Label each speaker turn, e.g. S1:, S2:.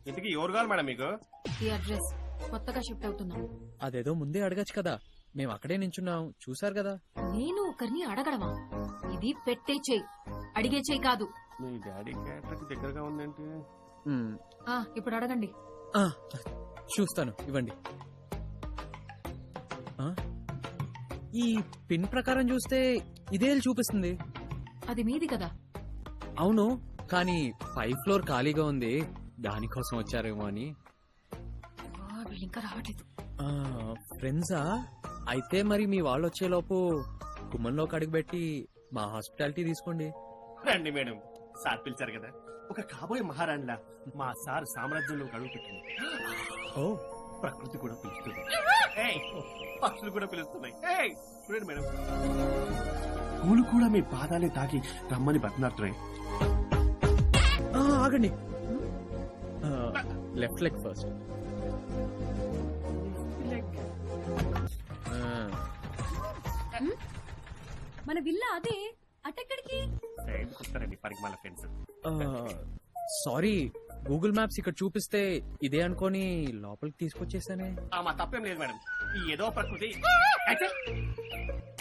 S1: ఇంతకీ ఎవరు కావాలి మేడం మీకు?
S2: ఈ అడ్రస్ కొత్తగా షిఫ్ట్ అవుతున్నాం.
S3: అదేదో ముందే అడగచ్చు కదా, మేము అక్కడే నించున్నాం, చూసారు కదా.
S2: నేను ఒకరిని అడగడమా? ఇది పెట్టే చెయ్యి, అడిగే చెయ్యి కాదు.
S1: మీ డాడీ క్యారెక్టర్ దగ్గరగా ఉందేంటి?
S2: ఇప్పుడు అడగండి.
S3: చూస్తాను, ఇవ్వండి. ఈ పిన్ ప్రకారం చూస్తే ఇదే చూపిస్తుంది.
S2: అది మీది కదా?
S3: అవును, కానీ 5th ఫ్లోర్ ఖాళీగా ఉంది, దానికోసం వచ్చారేమో అని.
S2: వీళ్ళు ఇంకా రావట్లేదు.
S3: ఫ్రెండ్సా? అయితే మరి మీ వాళ్ళు వచ్చేలోపు గుమ్మంలోకి అడుగుపెట్టి మా హాస్పిటాలిటీ తీసుకోండి.
S1: రండి మేడం, సార్ పిలిచారు కదా. ఒక కాబోయే మహారాణిలా మా సార్ సామ్రాజ్యంలో అడుగు పెట్టింది.
S3: ఓ,
S1: ప్రకృతి కూడా పిలుస్తుంది, పక్షులు కూడా పిలుస్తున్నాయి. చూడండి మేడం, పూలు కూడా మీ పాదాలే తాకి రమ్మని బతినాడుతున్నాయి.
S3: ఆగండి. Left leg first.
S2: మన విల్ల అదే, అటెక్కడికి?
S1: వస్తారండి పరిగమాల ఫ్రెండ్స్.
S3: సారీ, గూగుల్ మ్యాప్స్ ఇక్కడ చూపిస్తే ఇదే అనుకోని లోపలికి తీసుకొచ్చేసానే.
S1: మా తప్పేం లేదు మేడం, ఈ ఏదో ప్రకృతి